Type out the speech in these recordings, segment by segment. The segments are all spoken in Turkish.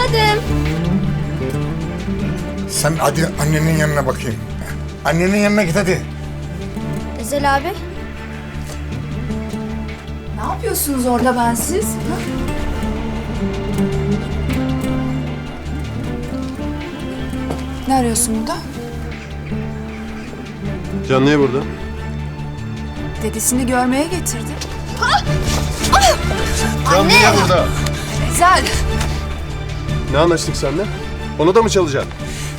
geldim. Sen hadi annenin yanına bakayım. Annenin yanına git hadi. Ezel abi. Ne yapıyorsunuz orada bensiz? Ha? Ne arıyorsun burada? Can niye burada? Dedesini görmeye getirdi. Can niye burada? Ezel! Ne anlaştık seninle? Onu da mı çalacaksın?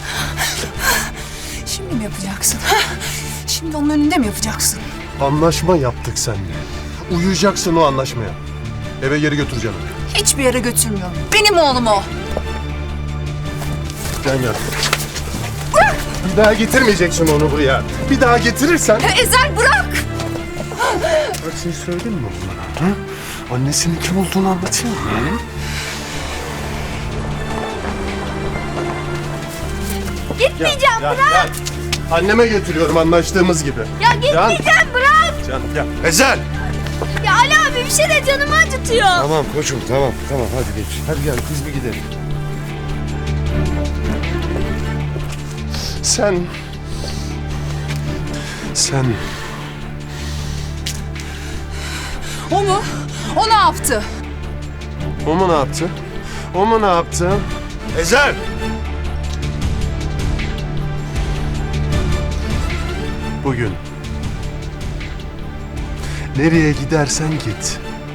Şimdi mi yapacaksın? Ha? Şimdi onun önünde mi yapacaksın? Anlaşma yaptık seninle. Uyuyacaksın o anlaşmaya. Eve geri götüreceğim. Hiçbir yere götürmüyorum. Benim oğlum o. Can gel. Bir daha getirmeyeceksin onu buraya. Bir daha getirirsen... Ezel bırak! Bak şey söyledin mi bana? Hı? Annesinin kim olduğunu anlatayım mı? Gitmeyeceğim, Gel, bırak. gel. Anneme götürüyorum anlaştığımız gibi. Ya gitmeyeceğim, bırak. Can gel. Ezel! Ya Ali abi bir şey de canımı acıtıyor. Tamam koçum tamam hadi geç. Hadi gel biz bir gidelim. Sen... O mu? O ne yaptı? O mu ne yaptı? O mu ne yaptı? Ezel! Bugün nereye gidersen git.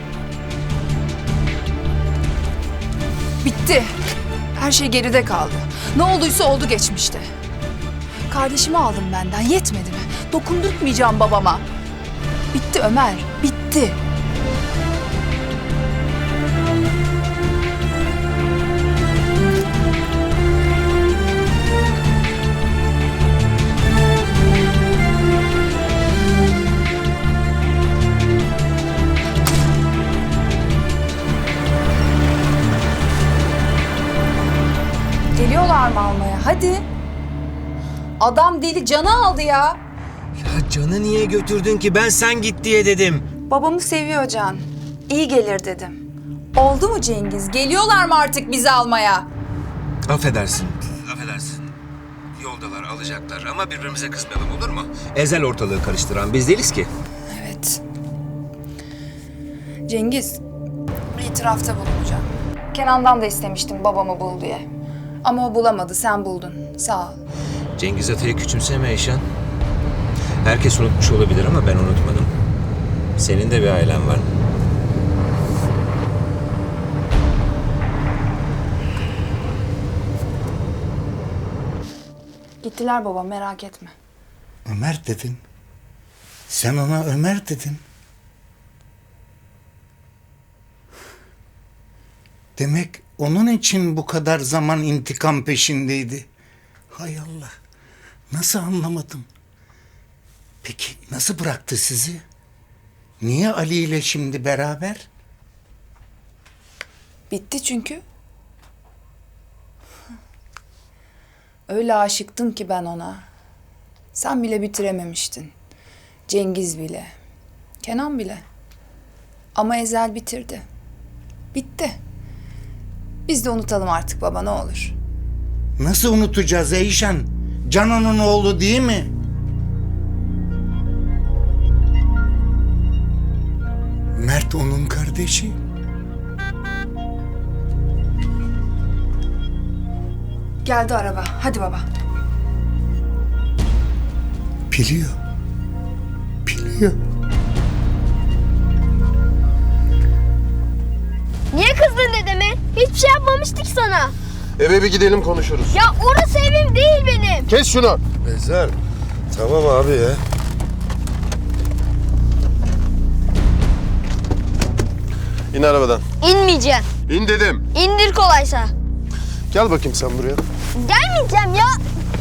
Bitti. Her şey geride kaldı. Ne olduysa oldu geçmişte. Kardeşimi aldın benden, yetmedi mi? Dokundurtmayacağım babama. Bitti Ömer, bitti. Geliyorlar mı almaya? Hadi. Adam deli canı aldı ya. Ya Can'ı niye götürdün ki? Ben sen git diye dedim. Babamı seviyor Can. İyi gelir dedim. Oldu mu Cengiz? Geliyorlar mı artık bizi almaya? Affedersin. Yoldalar, alacaklar ama birbirimize kızmayalım, olur mu? Ezel ortalığı karıştıran biz değiliz ki. Evet. Cengiz, itirafta bulunacağım. Kenan'dan da istemiştim babamı bul diye. Ama o bulamadı, sen buldun. Sağ ol. Cengiz Atay'ı küçümseme Eyşan. Herkes unutmuş olabilir ama ben unutmadım. Senin de bir ailen var. Gittiler baba, merak etme. Ömer dedin. Sen ona Ömer dedin. Demek onun için bu kadar zaman intikam peşindeydi. Hay Allah. Nasıl anlamadım? Peki nasıl bıraktı sizi? Niye Ali ile şimdi beraber? Bitti çünkü. Öyle aşıktım ki ben ona. Sen bile bitirememiştin. Cengiz bile. Kenan bile. Ama Ezel bitirdi. Bitti. Biz de unutalım artık baba, ne olur. Nasıl unutacağız Eyşan? Can onun oğlu değil mi? Mert onun kardeşi. Geldi araba. Hadi baba. Biliyor. Biliyor. Niye kızdın dedeme? Hiçbir şey yapmamıştık sana. Eve bir gidelim konuşuruz. Ya orası evim değil benim. Kes şunu. Ezel tamam abi ya. İn arabadan. İnmeyeceğim. İn dedim. İndir kolaysa. Gel bakayım sen buraya. Gelmeyeceğim ya.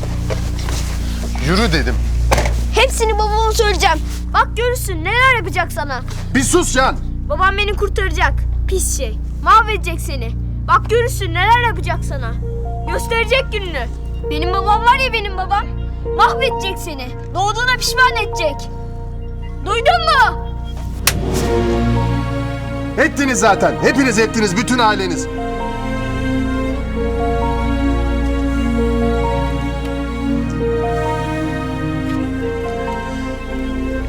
Yürü dedim. Hepsini babama söyleyeceğim. Bak görürsün neler yapacak sana. Bir sus Can. Babam beni kurtaracak. Pis şey. Mahvedecek seni. Bak görürsün neler yapacak sana. Gösterecek gününü. Benim babam var ya, benim babam. Mahvedecek seni. Doğduğuna pişman edecek. Duydun mu? Ettiniz zaten. Hepiniz ettiniz. Bütün aileniz.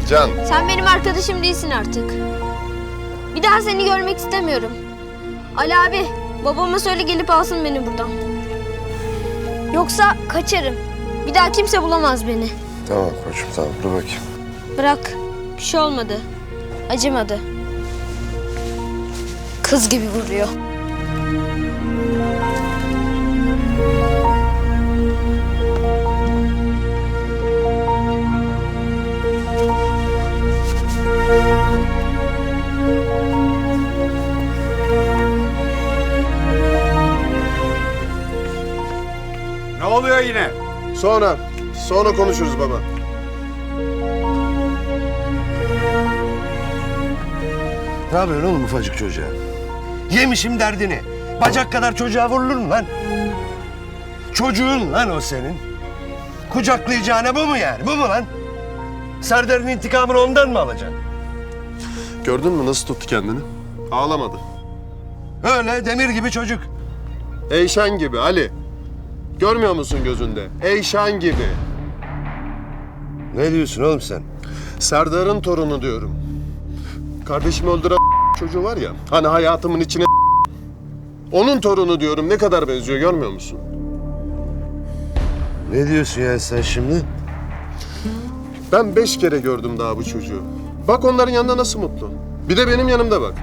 Can. Sen benim arkadaşım değilsin artık. Bir daha seni görmek istemiyorum. Ali abi, babama söyle gelip alsın beni buradan. Yoksa kaçarım. Bir daha kimse bulamaz beni. Tamam koçum tamam dur bakayım. Bırak. Bir şey olmadı. Acımadı. Kız gibi vuruyor. Ne oluyor yine? Sonra konuşuruz baba. Ne yapıyorsun oğlum ufacık çocuğa? Yemişim derdini. Bacak kadar çocuğa vurulur mu lan? Çocuğun lan o senin. Kucaklayacağına bu mu yani? Bu mu lan? Serdar'ın intikamını ondan mı alacaksın? Gördün mü nasıl tuttu kendini? Ağlamadı. Öyle demir gibi çocuk. Eyşan gibi Ali. Görmüyor musun gözünde? Eyşan gibi. Ne diyorsun oğlum sen? Serdar'ın torunu diyorum. Kardeşimi öldüren çocuğu var ya, hani hayatımın içine onun torunu diyorum, ne kadar benziyor görmüyor musun? Ne diyorsun ya sen şimdi? Ben 5 kere gördüm daha bu çocuğu. Bak onların yanında nasıl mutlu. Bir de benim yanımda bak.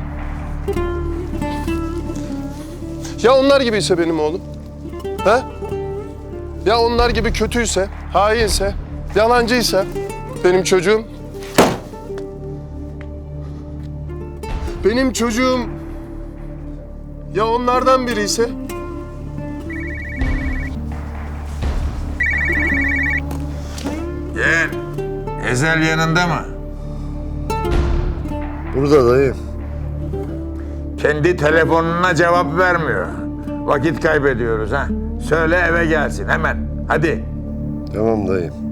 Ya onlar gibiyse benim oğlum? Ha? Ya onlar gibi kötüyse, hainse, yalancıysa benim çocuğum? Benim çocuğum ya onlardan biri ise? Gel. Ezel yanında mı? Burada dayı. Kendi telefonuna cevap vermiyor. Vakit kaybediyoruz ha. Söyle eve gelsin hemen. Hadi. Tamam dayı.